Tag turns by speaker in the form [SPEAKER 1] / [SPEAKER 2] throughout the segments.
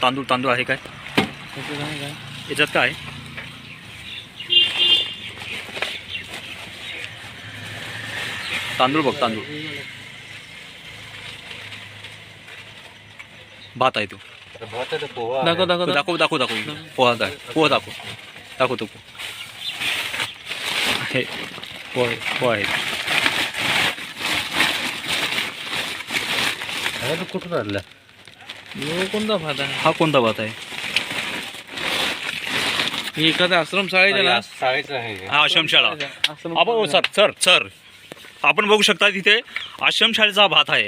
[SPEAKER 1] तांदूळ आहे काय याच्यात? काय तांदूळ बघ, तांदूळ भात आहे तो. दाखव पोहा दाखव तो हे पोहा आहे.
[SPEAKER 2] कुठून आणला?
[SPEAKER 3] कोणता भात आहे
[SPEAKER 1] हा? कोणता भात आहे?
[SPEAKER 3] एखादा आश्रम शाळेचा
[SPEAKER 2] शाळेचा आहे.
[SPEAKER 1] हा आश्रमशाळा. आपण सर आपण बघू शकता तिथे आश्रमशाळेचा भात आहे.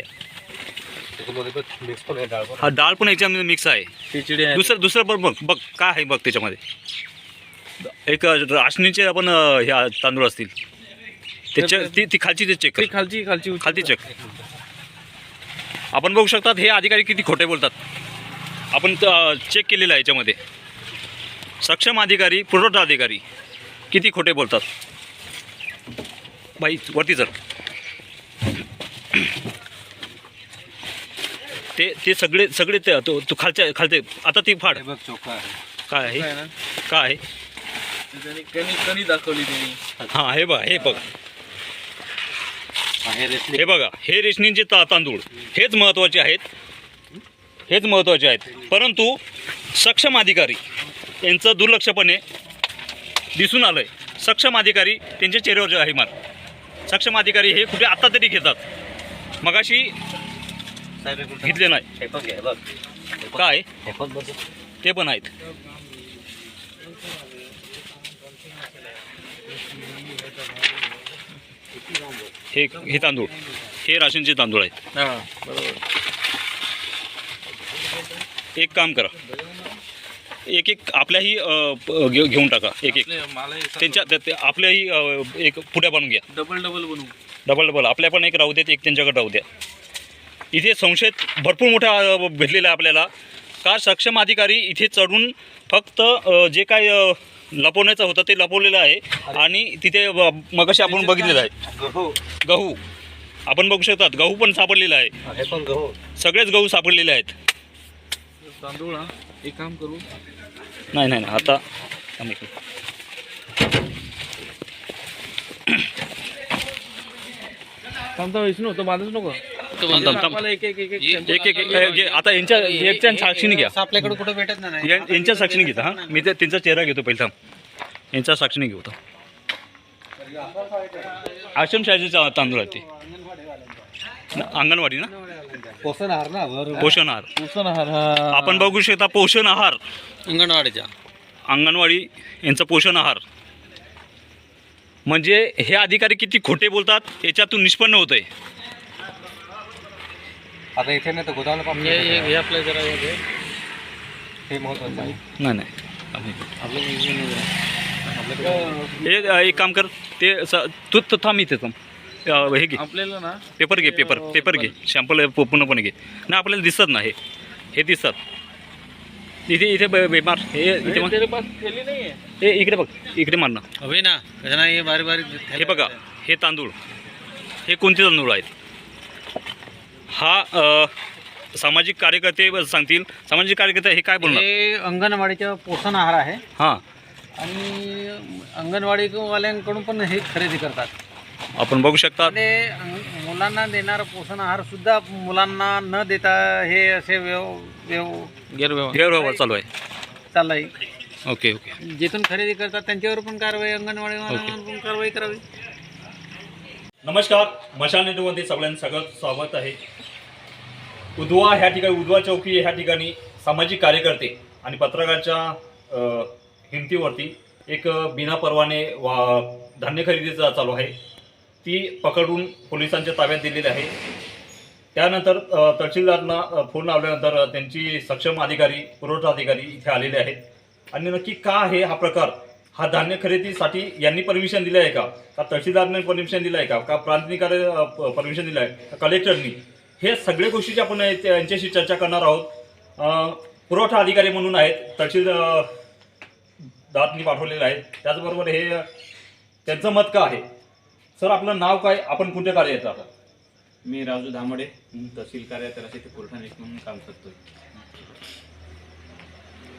[SPEAKER 1] हा डाळ पण याच्यामध्ये मिक्स आहे.
[SPEAKER 3] खिचडी आहे.
[SPEAKER 1] दुसरं बघ काय आहे बघ त्याच्यामध्ये. एक राशनीचे आपण ह्या तांदूळ असतील त्याच्या ती खालची ते चेक खालची चेक. आपण बघू शकतात हे अधिकारी किती खोटे बोलतात. आपण चेक केलेलं आहे याच्यामध्ये. सक्षम अधिकारी, पुरवठा अधिकारी किती खोटे बोलतात. बाई वरती जर ते सगळे ते तू खालचे आता ती फाड. काय आहे
[SPEAKER 3] कणी दाखवली त्यांनी.
[SPEAKER 1] हां हे बघा हे रेशनिंगचे तांदूळ हेच महत्त्वाचे आहेत. परंतु सक्षम अधिकारी यांचं दुर्लक्षपणे दिसून आलं आहे. सक्षम अधिकारी त्यांच्या चेहऱ्यावर आहे मार. सक्षम अधिकारी हे कुठे आत्ता तरी घेतात, मगाशी घेतले नाही. काय ते पण आहेत. हे तांदूळ हे राशनचे तांदूळ आहेत. एक काम करा, एक आपल्याही घेऊन टाका. एक त्यांच्या आपल्याही एक पुड्या बनवून घ्या. डबल आपल्या पण एक राहू देत, एक त्यांच्याकडे राहू द्या. इथे संशय भरपूर मोठा भेटलेला आहे आपल्याला. का सक्षम अधिकारी इथे चढून फक्त जे काय लपवण्याचं होतं ते लपवलेलं आहे. आणि तिथे मगाशी आपण बघितलेलं आहे गहू आपण बघू शकतात. गहू पण सापडलेला आहे. सगळेच गहू सापडलेले आहेत.
[SPEAKER 3] तांदूळ एक काम करू.
[SPEAKER 1] नाही आता
[SPEAKER 3] विष्णू तो बांधच नको.
[SPEAKER 1] आता यांच्या साक्षीने घ्या.
[SPEAKER 2] आपल्याकडे कुठे भेटत नाही.
[SPEAKER 1] यांच्या साक्षीने घेता. हां मी त्यांचा चेहरा घेतो पहिला. यांच्या साक्षीने घेतो. आश्रमशाळेचे तांदूळ आहे ते. अंगणवाडी ना,
[SPEAKER 2] पोषण आहार ना.
[SPEAKER 1] पोषण आहार आपण बघू शकता. पोषण आहार अंगणवाडी यांचं पोषण आहार. म्हणजे हे अधिकारी किती खोटे बोलतात याच्यातून निष्पन्न होत आहे.
[SPEAKER 2] आता इथे नाही तर गोदावला
[SPEAKER 3] आपल्या जरा
[SPEAKER 2] हे महत्वाचं आहे.
[SPEAKER 1] नाही एक काम कर. ते तू थांब इथे हे घे.
[SPEAKER 3] आपल्याला ना
[SPEAKER 1] पेपर घे. शॅम्पल पूर्णपणे घे. नाही आपल्याला दिसत नाही. हे दिसतात इथे बेमार. हे इकडे बघ, इकडे मार ना.
[SPEAKER 3] हवे ना
[SPEAKER 1] हे बघा हे तांदूळ हे कोणते तांदूळ आहेत? हा सामाजिक कार्यकर्ते सांगतील. सामाजिक कार्यकर्ते हे काय बोलणार?
[SPEAKER 2] हे अंगणवाडीचा पोषण आहार आहे.
[SPEAKER 1] हां
[SPEAKER 2] आणि अंगणवाडीवाल्यांकडून पण हे खरेदी करतात.
[SPEAKER 1] आपण बघू शकता.
[SPEAKER 2] मुलांना देणारा पोषण आहार सुद्धा मुलांना न देता हे असे
[SPEAKER 1] गैरव्यवहार चालू आहे. ओके
[SPEAKER 2] जिथून खरेदी करतात त्यांच्यावर पण कारवाई, अंगणवाडीवाल्यांवर पण कारवाई करावी.
[SPEAKER 1] नमस्कार, मशाल नेटवर्कमध्ये सगळ्यांचं स्वागत आहे. उद्वा ह्या ठिकाणी, उद्वा चौकी ह्या ठिकाणी सामाजिक कार्यकर्ते आणि पत्रकाराच्या हिमतीवरती एक बिना परवाने धान्य खरेदीचा चालू आहे. ती पकडून पोलिसांच्या ताब्यात दिलेली आहे. त्यानंतर तहसीलदारांना फोन लावल्यानंतर त्यांची सक्षम अधिकारी, पुरवठा अधिकारी इथे आलेले आहेत. आणि नक्की का आहे हा प्रकार? हा धान्य खरेदीसाठी यांनी परमिशन दिलं आहे का तहसीलदारने परमिशन दिलं आहे का प्रांताधिकारी परमिशन दिलं आहे का कलेक्टरनी? हे सगळे गोष्टीची आपण यांच्याशी चर्चा करणार आहोत. पुरवठा अधिकारी म्हणून आहेत, तहसीलदारांनी पाठवलेलं आहे. त्याचबरोबर हे त्यांचं मत का आहे? सर आपलं नाव काय, आपण कोणत्या कार्य येतं? आता
[SPEAKER 4] मी राजू धामडे, तहसील कार्यालयात पुरवठा निरीक्षक म्हणून काम करतोय.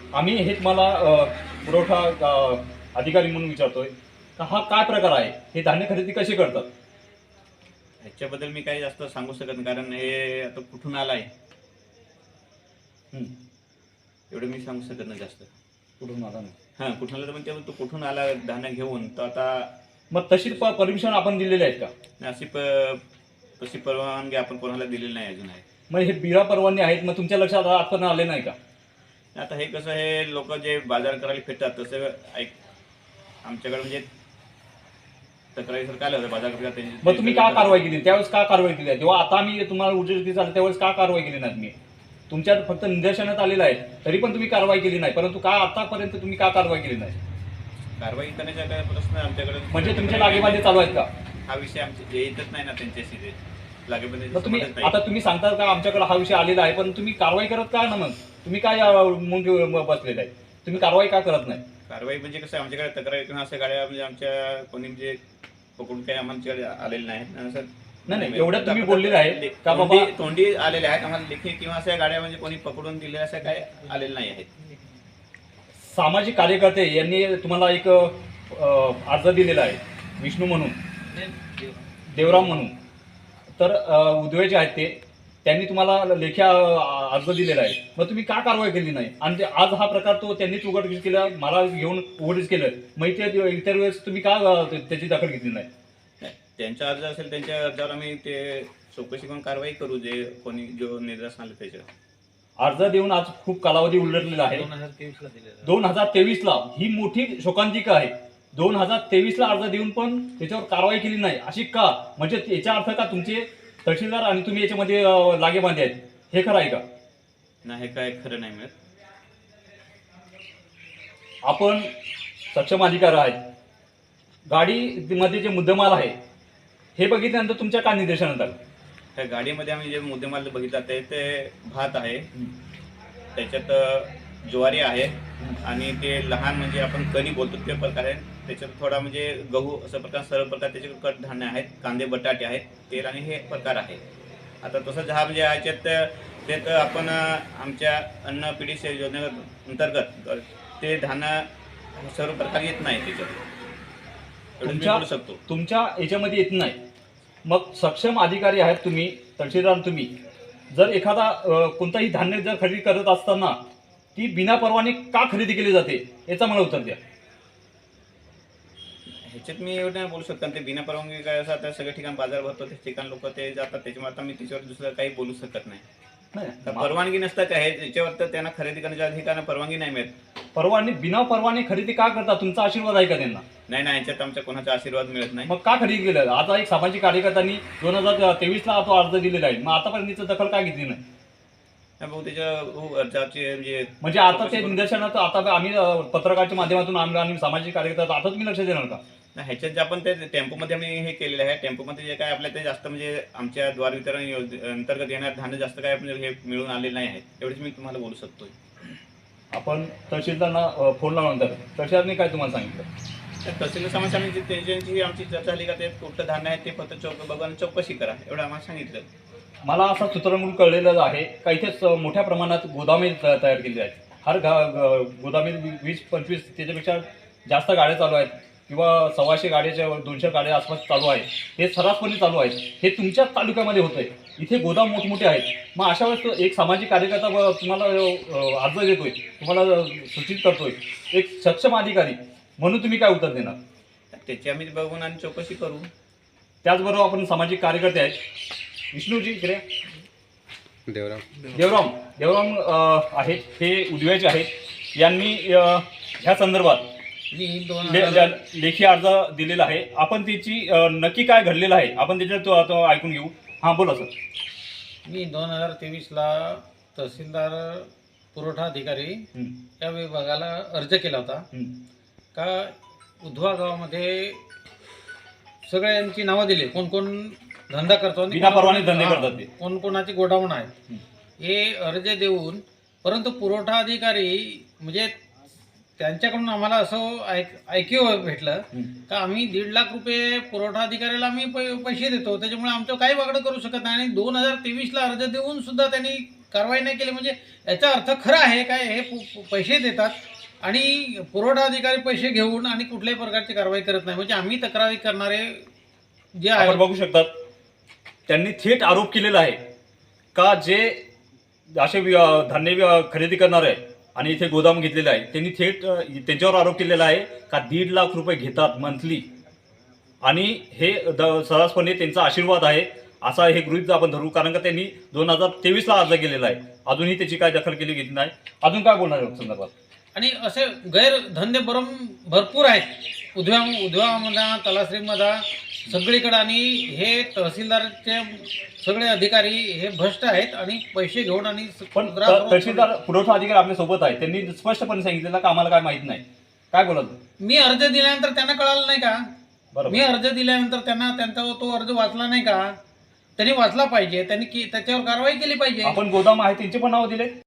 [SPEAKER 1] आम्ही हे तुम्हाला पुरवठा अधिकारी म्हणून विचारतोय का हा काय प्रकार आहे, हे धान्य खरेदी कशी करतात?
[SPEAKER 4] ह्याच्याबद्दल मी काही जास्त सांगू शकत नाही, कारण हे आता कुठून आलं आहे
[SPEAKER 1] हं.
[SPEAKER 4] एवढं मी सांगू शकत नाही जास्त.
[SPEAKER 1] कुठून आला नाही.
[SPEAKER 4] हां, कुठून आलं तर म्हणजे तो कुठून आला धान्य घेऊन, तर आता
[SPEAKER 1] मग तशी परमिशन आपण दिलेली आहेत का?
[SPEAKER 4] तशी परवानगी आपण कोणाला दिलेली नाही अजून आहे.
[SPEAKER 1] मग हे बिरा परवाने आहेत, मग तुमच्या लक्षात आजपर्यंत आले नाही का?
[SPEAKER 4] आता हे कसं, हे लोक जे बाजार करायला फिरतात तसं आमच्याकडे म्हणजे तक्रारीसारखं आलं होतं बाजार करायला.
[SPEAKER 1] मग तुम्ही का कारवाई केली त्यावेळेस? का कारवाई केली आहे? जेव्हा आता आम्ही तुम्हाला उजेड झालं त्यावेळेस का कारवाई केली नाही तुम्ही? तुमच्यात फक्त निदर्शनात आलेलं आहे, तरी पण तुम्ही कारवाई केली नाही. परंतु का आतापर्यंत तुम्ही का कारवाई केली नाही?
[SPEAKER 4] कारवाई करण्याचा काय प्रश्न आमच्याकडे
[SPEAKER 1] म्हणजे तुमचे लागेबांधे चालू आहेत का?
[SPEAKER 4] हा विषय आमचे येतच नाही ना त्यांच्याशी, ते लागेबांधे
[SPEAKER 1] मग तुम्ही
[SPEAKER 4] समजत
[SPEAKER 1] आता
[SPEAKER 4] नाही.
[SPEAKER 1] तुम्ही सांगता का आमच्याकडे हा विषय आलेला आहे, पण तुम्ही कारवाई करत का ना? मग तुम्ही काय मुंग बसलेले आहे? तुम्ही कारवाई का करत नाही?
[SPEAKER 4] कारवाई म्हणजे कसं, आमच्याकडे तक्रार किंवा अशा गाड्या म्हणजे आमच्या कोणी म्हणजे पकडून काही आमच्याकडे आलेले नाहीत. असं
[SPEAKER 1] नाही, एवढं तुम्ही बोललेलं आहे का बाबा?
[SPEAKER 4] तोंडी आलेले आहेत, आम्हाला लेखी किंवा अशा गाड्या म्हणजे कोणी पकडून दिलेल्या अशा काय आलेल्या नाही आहेत.
[SPEAKER 1] सामाजिक कार्यकर्ते यांनी तुम्हाला एक अर्ज दिलेला आहे, विष्णू म्हणून, देवराम म्हणून. तर उदवेचे आहेत ते, त्यांनी तुम्हाला लेखी अर्ज दिलेला आहे. मग तुम्ही का कारवाई केली नाही? आणि आज हा प्रकार तो त्यांनीच उघडकीस केला, मला घेऊन उघडकीस केलं, मग इतर वेळेस तुम्ही का त्याची दखल घेतली नाही?
[SPEAKER 4] त्यांचा अर्ज असेल, त्यांच्या अर्जावर आम्ही ते चौकशी करून कारवाई करू, जे कोणी जो निर्देश आले त्याच्यावर.
[SPEAKER 1] अर्ज देऊन आज खूप कालावधी उलटलेला आहे.
[SPEAKER 2] 2023 ला दिलेलं.
[SPEAKER 1] 2023ला ही मोठी शोकांतिका आहे. 2023ला अर्ज देऊन पण त्याच्यावर कारवाई केली नाही, अशी का? म्हणजे याचा अर्थ का तुमचे तहसीलदार आणि तुम्ही याच्यामध्ये लागेबांधे आहेत, हे खरं आहे का?
[SPEAKER 4] नाही, हे काय खरं नाही मिळत.
[SPEAKER 1] आपण सक्षम अधिकारी आहेत, गाडीमध्ये जे मुद्देमाल आहे हे बघितल्यानंतर तुमच्या काय निदर्शनात आलं?
[SPEAKER 4] त्या गाडीमध्ये आम्ही जे मुद्देमाल बघितला ते भात आहे, त्याच्यात ज्वारी आहे, आणि ते लहान म्हणजे आपण कणी बोलतो ते प्रकार आहे. त्याच्यात थोडा म्हणजे गहू असं प्रकार, सर्व प्रकार त्याचे कडधान्य आहेत, कांदे बटाटे आहेत, तेल आणि हे प्रकार आहे. आता तसंच हा म्हणजे याच्यात त्यात आपण आमच्या अन्न पिढी योजनेअंतर्गत ते धान्य सर्व प्रकार येत नाही त्याच्यात, एवढं मी बोलू शकतो.
[SPEAKER 1] तुमच्या याच्यामध्ये येत नाही. मग सक्षम अधिकारी आहेत तुम्ही, तहसीलदार तुम्ही, जर एखादा कोणताही धान्य जर खरेदी करत असताना ती बिना परवाने का खरेदी केली जाते, याचा मला उत्तर द्या.
[SPEAKER 4] ह्याच्यात मी एवढं नाही बोलू शकतो, कारण ते बिना परवानगी काय असं आता सगळ्या ठिकाणी बाजार भरतो, त्या ठिकाणी लोक ते जातात, त्याच्यामुळे आता मी त्याच्यावर दुसरं काही बोलू शकत नाही. तर परवानगी नसतात आहे त्याच्यावर, तर त्यांना खरेदी करण्याच्या अधिकारांना परवानगी नाही मिळत.
[SPEAKER 1] परवाने बिना परवाने खरेदी का करतात? तुमचा आशीर्वाद आहे का त्यांना?
[SPEAKER 4] नाही, याच्यात आमच्या कोणाचा आशीर्वाद मिळत नाही.
[SPEAKER 1] मग का खरेदी केलं? आता एक सामाजिक कार्यकर्त्यांनी 2023ला तो अर्ज दिलेला आहे, मग आतापर्यंत दखल का घेतली नाही?
[SPEAKER 4] भाऊ त्याच्या अर्जाचे
[SPEAKER 1] म्हणजे आता ते निदर्शनात, आता आम्ही पत्रकाराच्या माध्यमातून आणि सामाजिक कार्यकर्ता, आता तुम्ही लक्ष देणार का?
[SPEAKER 4] ह्याच्यात जे आपण ते टेम्पोमध्ये आम्ही हे केलेलं आहे, टेम्पोमध्ये जे काय आपल्या ते जास्त म्हणजे आमच्या द्वार वितरण अंतर्गत येणार धान्य जास्त काय म्हणजे हे मिळून आलेलं नाही आहे, एवढेच मी तुम्हाला बोलू शकतो.
[SPEAKER 1] आपण तहसीलदारांना फोन लावल्यानंतर तहसीलदारने काय तुम्हाला सांगितलं?
[SPEAKER 4] तर तहसील समस्यांची त्यांची आमची चर्चा झाली का, ते कुठलं धान्य आहे ते फक्त बघून चौकशी करा, एवढं आम्हाला सांगितलं.
[SPEAKER 1] मला असं सूत्रमूल कळलेलं आहे का इथेच मोठ्या प्रमाणात गोदामे तयार केली आहेत. हर गोदामे 20-25 त्याच्यापेक्षा जास्त गाड्या चालू आहेत, किंवा 100 गाड्याच्या 200 गाड्या आसपास चालू आहेत. हे सर्रासपणे चालू आहेत. हे तुमच्याच तालुक्यामध्ये होत आहे. इथे गोदाम मोठमोठे आहेत. मग अशा वेळेस एक सामाजिक कार्यकर्ता तुम्हाला अर्ज देतोय, तुम्हाला सूचित करतोय, एक सक्षम अधिकारी म्हणून तुम्ही काय उत्तर देणार?
[SPEAKER 4] त्याची आम्ही बघून आणि चौकशी करू.
[SPEAKER 1] त्याचबरोबर आपण सामाजिक कार्यकर्ते आहेत. विष्णूजी इकडे, देवराम आहेत, हे उदव्याचे आहेत. यांनी ह्या संदर्भात
[SPEAKER 2] मी
[SPEAKER 1] लेखी अर्ज दिलेला आहे. आपण त्याची नक्की काय घडलेलं आहे आपण त्याच्यात ऐकून घेऊ. हां, बोला सर.
[SPEAKER 2] मी 2023ला तहसीलदार पुरवठा अधिकारी या विभागाला अर्ज केला होता का उधवा गावामध्ये सगळ्यांची नावं दिली, कोण कोण धंदा करतो आणि
[SPEAKER 1] बिना परवाने धंदे करतात,
[SPEAKER 2] कोण कोणाची गोडाऊन आहेत हे अर्ज देऊन, परंतु पुरवठा अधिकारी म्हणजे त्यांच्याकडून आम्हाला असं ऐक्य भेटलं का आम्ही 1.5 लाख रुपये पुरवठा अधिकाऱ्याला आम्ही पैसे देतो, त्याच्यामुळे आमचं काही वागडं करू शकत नाही. आणि 2023ला अर्ज देऊन सुद्धा त्यांनी कारवाई नाही केली म्हणजे याचा अर्थ खरा आहे काय हे पैसे देतात आणि पुरवठा अधिकारी पैसे घेऊन आणि कुठल्याही प्रकारची कारवाई करत नाही. म्हणजे आम्ही तक्रारी करणारे जे
[SPEAKER 1] आपण
[SPEAKER 2] आहे
[SPEAKER 1] बघू शकतात त्यांनी थेट आरोप केलेला आहे का जे असे धान्य खरेदी करणारे आहे आणि इथे गोदाम घेतलेलं आहे त्यांनी थेट त्यांच्यावर आरोप केलेला आहे का 1.5 लाख रुपये घेतात मंथली आणि हे सर्रासपणे त्यांचा आशीर्वाद आहे असा हे गृहीत आपण धरू. कारण का त्यांनी 2023ला अर्ज केलेला आहे, अजूनही त्याची काय दखल केली गेली नाही. अजून काय बोलणार आहे संदर्भात?
[SPEAKER 2] आणि असे गैरधंदे भरपूर आहेत उद्योगामध्ये तलासरीमध्ये सगळीकडे. आणि हे तहसीलदारचे सगळे अधिकारी हे भ्रष्ट आहेत आणि पैसे घेऊन आणि
[SPEAKER 1] पण तहसीलदार पुरवठा अधिकारी आपल्या सोबत आहे, त्यांनी स्पष्टपणे सांगितलेलं का आम्हाला काय माहित नाही. काय बोलत?
[SPEAKER 2] मी अर्ज दिल्यानंतर त्यांना कळालं नाही का?
[SPEAKER 1] बरोबर.
[SPEAKER 2] मी अर्ज दिल्यानंतर त्यांचा तो अर्ज वाचला नाही का? त्यांनी वाचला पाहिजे, त्यांनी त्याच्यावर कारवाई केली पाहिजे.
[SPEAKER 1] आपण गोदाम आहे त्यांचे पण नाव दिले.